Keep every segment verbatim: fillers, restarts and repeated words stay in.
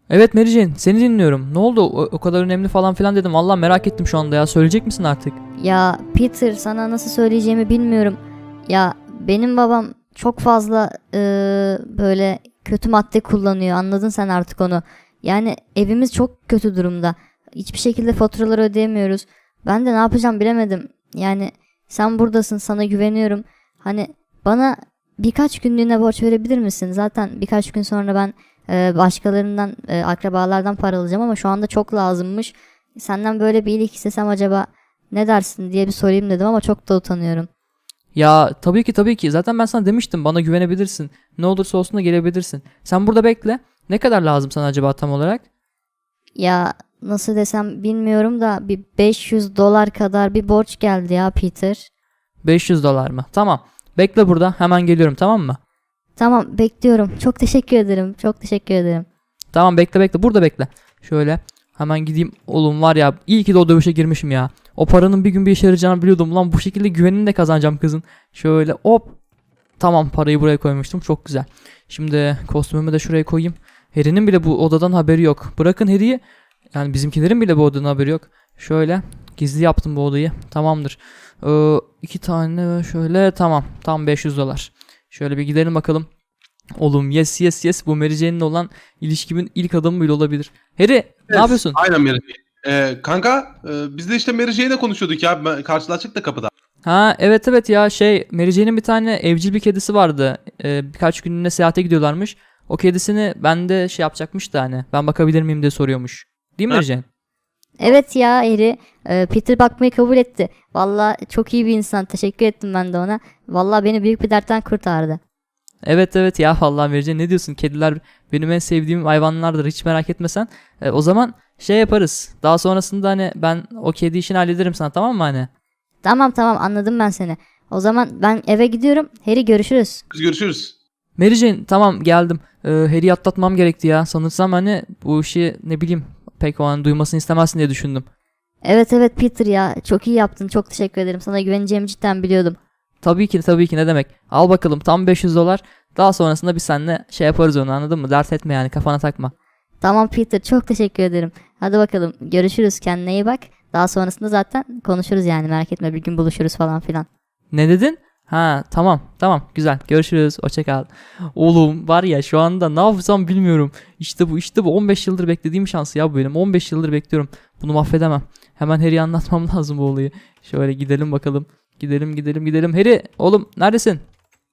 Evet Mary Jane, seni dinliyorum. Ne oldu? O, o kadar önemli falan filan dedim. Vallahi merak ettim şu anda ya. Söyleyecek misin artık? Ya Peter, sana nasıl söyleyeceğimi bilmiyorum. Ya benim babam çok fazla eee, böyle kötü madde kullanıyor. Anladın sen artık onu. Yani evimiz çok kötü durumda. Hiçbir şekilde faturaları ödeyemiyoruz. Ben de ne yapacağım bilemedim. Yani sen buradasın, sana güveniyorum. Hani bana birkaç günlüğüne borç verebilir misin? Zaten birkaç gün sonra ben eee, başkalarından, eee, akrabalardan para alacağım ama şu anda çok lazımmış. Senden böyle bir iyilik istesem acaba ne dersin diye bir sorayım dedim ama çok da utanıyorum. Ya tabii ki tabii ki. Zaten ben sana demiştim bana güvenebilirsin. Ne olursa olsun da gelebilirsin. Sen burada bekle. Ne kadar lazım sana acaba tam olarak? Ya nasıl desem bilmiyorum da bir beş yüz dolar kadar bir borç geldi ya Peter. beş yüz dolar mı? Tamam. Bekle burada. Hemen geliyorum, tamam mı? Tamam, bekliyorum. Çok teşekkür ederim. Çok teşekkür ederim. Tamam, bekle bekle. Burada bekle. Şöyle. Hemen gideyim. Oğlum var ya, iyi ki de o dövüşe girmişim ya. O paranın bir gün bir işe yarayacağını biliyordum. Lan bu şekilde güvenini de kazanacağım kızın. Şöyle hop. Tamam, parayı buraya koymuştum. Çok güzel. Şimdi kostümümü de şuraya koyayım. Harry'nin bile bu odadan haberi yok. Bırakın Harry'yi. Yani bizimkilerin bile bu odadan haberi yok. Şöyle gizli yaptım bu odayı. Tamamdır. Ee, iki tane şöyle, tamam. Tam beş yüz dolar. Şöyle bir gidelim bakalım. Oğlum yes yes yes, bu Mary Jane'le olan ilişkimin ilk adımı bile olabilir. Harry, ne Evet, yapıyorsun? aynen Mary Jane. Ee, kanka e, biz de işte Mary Jane'le konuşuyorduk ya. Ben- Karşılaştık da kapıda. Ha evet evet ya, şey, Mary Jane'in bir tane evcil bir kedisi vardı. Ee, birkaç günlüğüne seyahate gidiyorlarmış. O kedisini ben de şey yapacakmış da, hani ben bakabilir miyim diye soruyormuş. Değil mi Ha. Mary Jane? Evet ya Eri, e, Peter bakmayı kabul etti. Valla çok iyi bir insan. Teşekkür ettim ben de ona. Valla beni büyük bir dertten kurtardı. Evet evet ya, vallahi Mary Jane, ne diyorsun? Kediler benim en sevdiğim hayvanlardır, hiç merak etme sen. Ee, o zaman şey yaparız. Daha sonrasında hani ben o kedi işini hallederim sana, tamam mı hani? Tamam tamam, anladım ben seni. O zaman ben eve gidiyorum. Harry, görüşürüz. Biz görüşürüz. Mary Jane, tamam geldim. Ee, Harry'i atlatmam gerekti ya. Sanırsam hani bu işi ne bileyim pek o an duymasını istemezsin diye düşündüm. Evet evet Peter ya, çok iyi yaptın. Çok teşekkür ederim. Sana güveneceğimi cidden biliyordum. Tabii ki tabii ki, ne demek. Al bakalım tam beş yüz dolar. Daha sonrasında biz seninle şey yaparız, onu anladın mı? Dert etme yani, kafana takma. Tamam Peter, çok teşekkür ederim. Hadi bakalım, görüşürüz, kendine iyi bak. Daha sonrasında zaten konuşuruz yani, merak etme, bir gün buluşuruz falan filan. Ne dedin? Ha tamam tamam, güzel, görüşürüz, hoşça kal. Oğlum var ya, şu anda ne yapsam bilmiyorum. İşte bu işte bu on beş yıldır beklediğim şans ya bu benim. on beş yıldır bekliyorum. Bunu mahvedemem. Hemen Harry'e anlatmam lazım bu olayı. Şöyle gidelim bakalım. Gidelim gidelim gidelim. Harry oğlum, neredesin?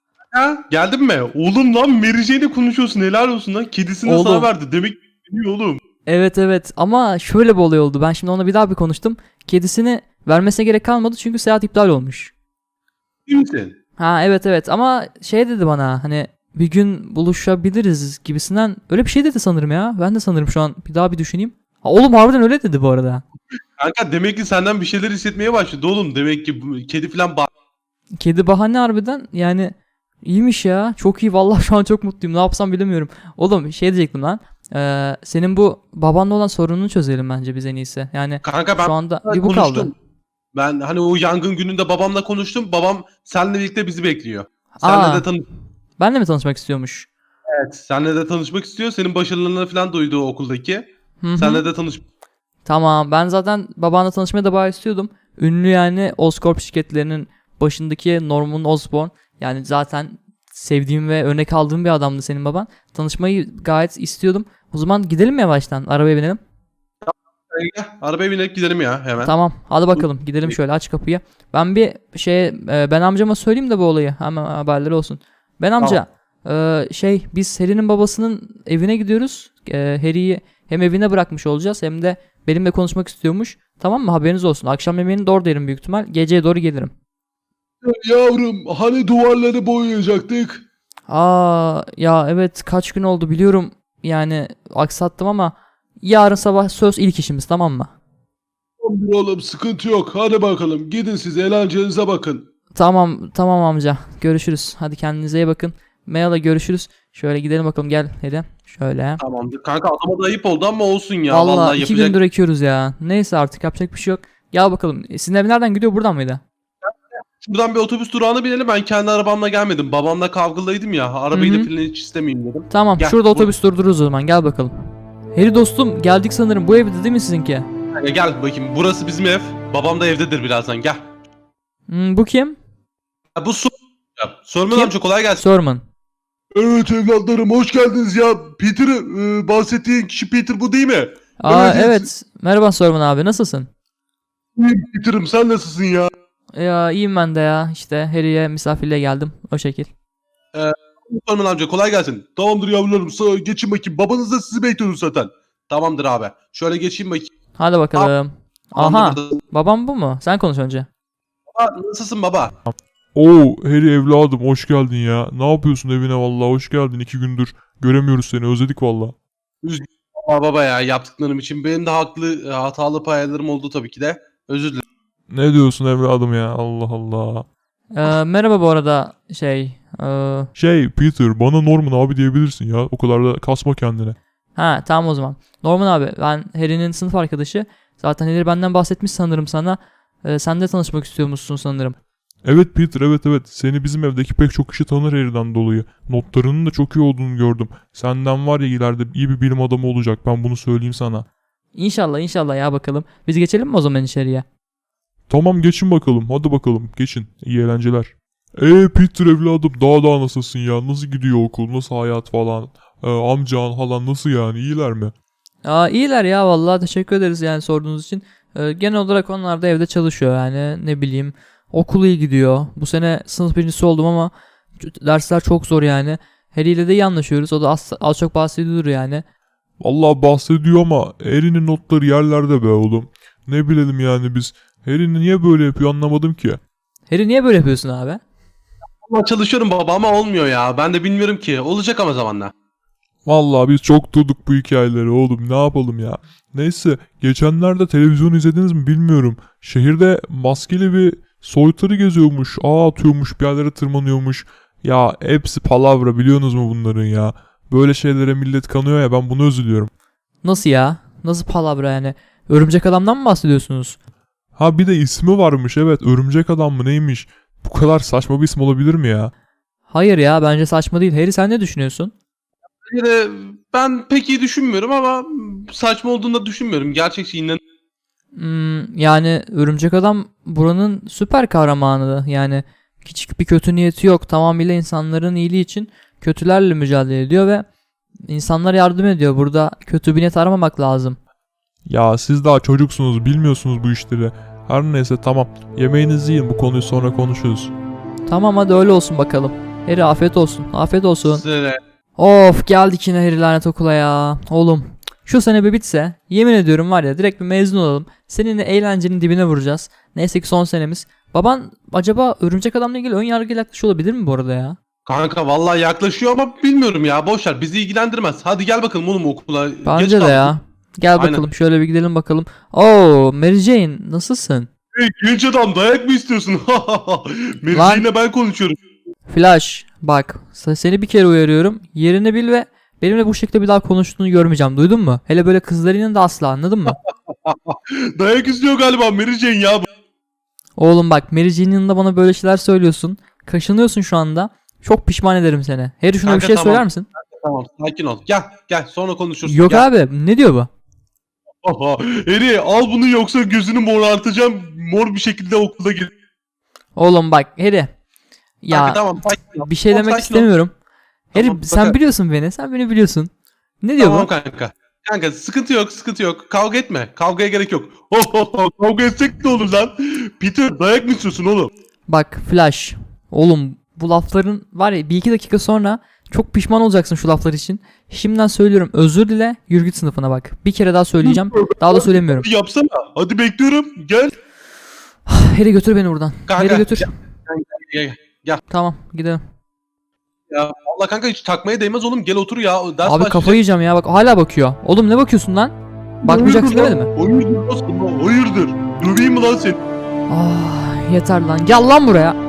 Ha, geldin mi? Oğlum lan Mary Jane'le konuşuyorsun. Helal olsun lan. Kedisini de Oğlum. sana verdi. Demek biliyor oğlum. Evet evet, ama şöyle bir olay oldu. Ben şimdi ona bir daha bir konuştum. Kedisini vermesine gerek kalmadı çünkü seyahat iptal olmuş. Değil misin? Ha evet evet, ama şey dedi bana, hani bir gün buluşabiliriz gibisinden öyle bir şey dedi sanırım ya. Ben de sanırım şu an bir daha bir düşüneyim. Ha, oğlum harbiden öyle dedi bu arada. Kanka demek ki senden bir şeyler hissetmeye başladı oğlum. Demek ki bu kedi falan ba- Kedi bahane harbiden, yani iyiymiş ya. Çok iyi vallahi, şu an çok mutluyum. Ne yapsam bilemiyorum. Oğlum şey diyecektim lan. Ee, senin bu babanla olan sorununu çözelim bence biz en iyisi. Yani Kanka ben şu anda bir bu kaldı. konuştum. Ben hani o yangın gününde babamla konuştum. Babam seninle birlikte bizi bekliyor. Aa. Seninle de tanış Benle mi tanışmak istiyormuş? Evet, seninle de tanışmak istiyor. Senin başarılarını falan duydu o okuldaki. Hı hı. Seninle de tanış. Tamam, ben zaten babanla tanışmaya da bayağı istiyordum. Ünlü yani Oscorp şirketlerinin başındaki Norman Osborn. Yani zaten sevdiğim ve örnek aldığım bir adamdı senin baban. Tanışmayı gayet istiyordum. O zaman gidelim mi yavaştan? Arabaya binelim. Gel, arabaya binerek gidelim ya hemen. Tamam, hadi bakalım gidelim, şöyle aç kapıyı. Ben bir şey e, ben amcama söyleyeyim de bu olayı, hemen haberleri olsun. Ben amca, e, şey, biz Harry'nin babasının evine gidiyoruz. E, Harry'yi hem evine bırakmış olacağız hem de benimle konuşmak istiyormuş. Tamam mı, haberiniz olsun. Akşam yemeğini de orada yerim büyük ihtimal. Geceye doğru gelirim. Yavrum hani duvarları boyayacaktık? Aa ya evet, kaç gün oldu biliyorum. Yani aksattım ama yarın sabah söz ilk işimiz, tamam mı? Tamamdır oğlum sıkıntı yok. Hadi bakalım gidin siz eğlencenize bakın. Tamam tamam amca. Görüşürüz. Hadi kendinize iyi bakın. Maya'la görüşürüz. Şöyle gidelim bakalım, gel hadi. Şöyle. Tamamdır kanka, adama da ayıp oldu ama olsun ya. Vallahi, Vallahi, iki yapacak. gündür ekiyoruz ya. Neyse artık, yapacak bir şey yok. Gel bakalım. E, Sizin ev nereden gidiyor, buradan mıydı? Buradan bir otobüs durağına binelim. Ben kendi arabamla gelmedim. Babamla kavgalıydım ya. Arabayı Hı hı. da falan hiç istemeyeyim dedim. Tamam, Gel, şurada bu- otobüs durdururuz o zaman, gel bakalım. Harry dostum geldik sanırım. Bu evde değil mi sizinki? Kanka gel bakayım. Burası bizim ev. Babam da evdedir birazdan. Gel. Hmm, bu kim? Ya bu Sor... Ya, Sorman Kim? amca kolay gelsin. Sorman. Evet evlatlarım hoş geldiniz ya. Peter e, bahsettiğin kişi Peter bu değil mi? Aa Evet. evet. Merhaba Sorman abi, nasılsın? İyiyim Peter'ım sen nasılsın ya? Ya iyiyim ben de ya. İşte Harry'e misafirliğe geldim. O şekil. Sorman amca kolay gelsin. Tamamdır yavrularım sağ geçin bakayım. Babanız da sizi bekliyordu zaten. Tamamdır abi. Şöyle geçeyim bakayım. Hadi bakalım. Aha. Tamamdır. Babam bu mu? Sen konuş önce. Baba, nasılsın baba? Oo Harry evladım hoş geldin ya. Ne yapıyorsun evine vallahi hoş geldin iki gündür. Göremiyoruz seni özledik valla. Baba, baba ya yaptıklarım için benim de haklı hatalı paylarım oldu tabii ki de. Özür dilerim. Ne diyorsun evladım ya Allah Allah. Ee, merhaba bu arada şey. ee, Şey Peter bana Norman abi diyebilirsin ya. O kadar da kasma kendine. ha tamam o zaman. Norman abi, ben Harry'nin sınıf arkadaşı. Zaten Harry benden bahsetmiş sanırım sana. Ee, sen de tanışmak istiyormuşsun sanırım. Evet Peter evet evet. Seni bizim evdeki pek çok kişi tanır Harry'den dolayı. Notlarının da çok iyi olduğunu gördüm. Senden var ya ileride iyi bir bilim adamı olacak ben bunu söyleyeyim sana. İnşallah inşallah ya, bakalım. Biz geçelim mi o zaman içeriye? Tamam geçin bakalım hadi bakalım geçin. İyi eğlenceler. Eee Peter evladım daha daha nasılsın ya? Nasıl gidiyor okul? Nasıl hayat falan? Ee, amcan halan nasıl yani? İyiler mi? Aa iyiler ya, vallahi teşekkür ederiz yani sorduğunuz için. Ee, genel olarak onlar da evde çalışıyor yani, ne bileyim. Okul iyi gidiyor. Bu sene sınıf birincisi oldum ama dersler çok zor yani. Harry ile de iyi anlaşıyoruz. O da az, az çok bahsediyor yani. Vallahi bahsediyor ama Harry'nin notları yerlerde be oğlum. Ne bilelim yani biz. Harry niye böyle yapıyor anlamadım ki. Harry niye böyle yapıyorsun abi? Ama çalışıyorum baba ama olmuyor ya. Ben de bilmiyorum ki. Olacak ama zamanla. Vallahi biz çok durduk bu hikayeleri oğlum ne yapalım ya. Neyse geçenlerde televizyon izlediniz mi bilmiyorum. Şehirde maskeli bir soytarı geziyormuş. Ağ atıyormuş bir yerlere tırmanıyormuş. Ya hepsi palavra biliyorsunuz mu bunların ya. Böyle şeylere millet kanıyor ya ben bunu üzülüyorum. Nasıl ya? Nasıl palavra yani? Örümcek adamdan mı bahsediyorsunuz? Ha bir de ismi varmış evet örümcek adam mı neymiş. Bu kadar saçma bir isim olabilir mi ya? Hayır ya, bence saçma değil. Harry sen ne düşünüyorsun? Bir de ben pek iyi düşünmüyorum ama saçma olduğunu da düşünmüyorum. Gerçekçi inan. Hmm, yani örümcek adam buranın süper kahramanı. Yani küçük bir kötü niyeti yok. Tamamıyla insanların iyiliği için kötülerle mücadele ediyor ve insanlara yardım ediyor. Burada kötü bir niyet aramamak lazım. Ya siz daha çocuksunuz bilmiyorsunuz bu işleri. Her neyse tamam yemeğinizi yiyin bu konuyu sonra konuşuruz. Tamam hadi öyle olsun bakalım. Harry afiyet olsun. Afiyet olsun. Size Of, geldik yine Harry lanet okula ya. Oğlum şu sene bir bitse yemin ediyorum var ya, direkt bir mezun olalım. Seninle eğlencenin dibine vuracağız. Neyse ki son senemiz. Baban acaba örümcek adamla ilgili ön yargıyla yaklaşıyor olabilir mi bu arada ya? Kanka vallahi yaklaşıyor ama bilmiyorum ya. Boş ver bizi ilgilendirmez. Hadi gel bakalım oğlum okula. Geç Bence de kaldık. ya. Gel Aynen. bakalım şöyle bir gidelim bakalım. Oo Mary Jane, nasılsın? Hey, genç adam dayak mı istiyorsun? Lan. Mevziyle ben konuşuyorum. Flash bak, se- seni bir kere uyarıyorum. Yerini bil ve benimle bu şekilde bir daha konuştuğunu görmeyeceğim, duydun mu? Hele böyle kızların yanında asla, anladın mı? Dayak istiyor galiba Mary Jane ya. Oğlum bak, Mary Jane'in yanında bana böyle şeyler söylüyorsun. Kaşınıyorsun şu anda. Çok pişman ederim seni. Harry şuna Kanka, bir şey tamam. söyler misin? Tamam sakin ol. Gel gel sonra konuşuruz. Yok gel. abi, ne diyor bu? Aha, Eri al bunu yoksa gözünü morartacağım. Mor bir şekilde okulda gir. Oğlum bak Harry. Ya Kanka, tamam sakin ol. bir şey Tamam, demek sakin ol. istemiyorum. Harry Tamam, sen bakarım. biliyorsun beni. Sen beni biliyorsun. Ne diyor Tamam bu? kanka. Kanka sıkıntı yok sıkıntı yok. Kavga etme. Kavgaya gerek yok. Oh, oh, oh, kavga etsek ne olur lan? Peter dayak mı istiyorsun oğlum? Bak Flash. Oğlum bu lafların var ya, bir iki dakika sonra çok pişman olacaksın şu laflar için. Şimdiden söylüyorum, özür dile, yürü git sınıfına bak. Bir kere daha söyleyeceğim. Daha da söylemiyorum. Hadi yapsana. Hadi bekliyorum. Gel. Harry götür beni buradan. Kanka, Harry götür. Gel, gel. Tamam gidelim. Ya vallahi kanka hiç takmaya değmez oğlum. Gel otur ya. Ders Abi başlayacak. kafayı yiyeceğim ya, bak hala bakıyor. Oğlum ne bakıyorsun lan? Bakmayacaksın Hayırdır demedi lan? mi? Hayırdır lan sana? Hayırdır. Döveyim mi lan seni? Ah yeter lan. Gel lan buraya.